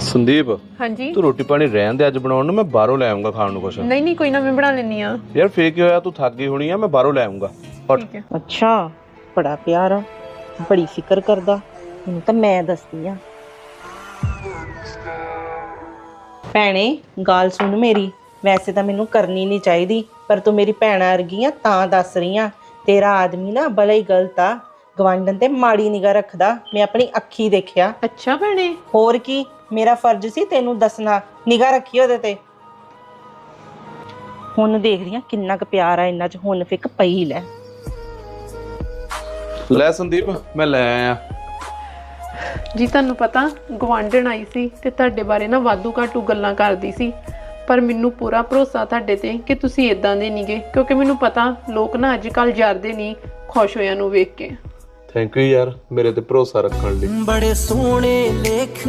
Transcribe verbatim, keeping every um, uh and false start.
ਸੰਦੀਪ हाँ जी ਤੂੰ ਰੋਟੀ ਪਾਣੀ ਰਹਿਣ ਦੇ, ਅੱਜ ਬਣਾਉਣ ਨੂੰ ਮੈਂ ਬਾਹਰੋਂ ਲੈ ਆਉਂਗਾ ਖਾਣ ਨੂੰ ਕੁਛ। नहीं नहीं कोई ना मैं बना लेनी हाँ ਯਾਰ ਫੇਰ ਕੀ ਹੋਇਆ, ਤੂੰ ਥੱਕ ਗਈ ਹੋਣੀ ਆ, ਮੈਂ ਬਾਹਰੋਂ ਲੈ ਆਉਂਗਾ। ठीक है ਅੱਛਾ ਬੜਾ ਪਿਆਰ ਆ, ਬੜੀ ਫਿਕਰ ਕਰਦਾ। ਹੁਣ ਤਾਂ ਮੈਂ ਦੱਸਦੀ ਆ। ਭੈਣੇ ਗੱਲ ਸੁਣ ਮੇਰੀ, ਵੈਸੇ ਤਾਂ ਮੈਨੂੰ ਕਰਨੀ ਨਹੀਂ ਚਾਹੀਦੀ, ਪਰ ਤੂੰ ਮੇਰੀ ਭੈਣਾ ਵਰਗੀ ਆ ਤਾਂ ਦੱਸ ਰਹੀ ਆ। ਤੇਰਾ ਆਦਮੀ ਨਾ ਬੜਾ ਹੀ ਗਲਤ ਆ, ਗਵਾਂਢਣ ਤੇ ਮਾੜੀ ਨਿਗਾਹ ਰੱਖਦਾ। ਮੈਂ ਆਪਣੀ ਅੱਖੀ ਦੇਖਿਆ। अच्छा भैने ਹੋਰ ਕੀ, ਮੇਰਾ ਫਰਜ਼ ਸੀ ਤੈਨੂੰ ਦੱਸਣਾ। ਨਿਗਾਹ ਰੱਖੀ ਉਹਦੇ ਤੇ। ਹੁਣ ਦੇਖ ਰਹੀ ਆ ਕਿੰਨਾ ਕੁ ਪਿਆਰ ਆ ਇਹਨਾਂ 'ਚ। ਹੁਣ ਫਿੱਕ ਪਈ ਲੈ। ਲੈ ਸੰਦੀਪ ਮੈਂ ਲੈ ਆਇਆ। ਜੀ ਤੁਹਾਨੂੰ ਪਤਾ ਗਵਾਂਢਣ ਆਈ ਸੀ ਤੇ ਤੁਹਾਡੇ ਬਾਰੇ ਨਾ ਵਾਧੂ ਘਾਟੂ ਗੱਲਾਂ ਕਰਦੀ ਸੀ, ਪਰ ਮੈਨੂੰ ਪੂਰਾ ਭਰੋਸਾ ਤੁਹਾਡੇ ਤੇ ਕਿ ਤੁਸੀਂ ਇਦਾਂ ਦੇ ਨਹੀਂਗੇ, ਕਿਉਂਕਿ ਮੈਨੂੰ ਪਤਾ ਲੋਕ ਨਾ ਅੱਜ ਕੱਲ੍ਹ ਜਰਦੇ ਨਹੀਂ ਖੁਸ਼ ਹੋਇਆਂ ਨੂੰ ਵੇਖ ਕੇ। ਥੈਂਕ ਯੂ ਯਾਰ ਮੇਰੇ ਤੇ ਭਰੋਸਾ ਰੱਖਣ ਲਈ। ਬੜੇ ਸੋਹਣੇ ਲੇਖ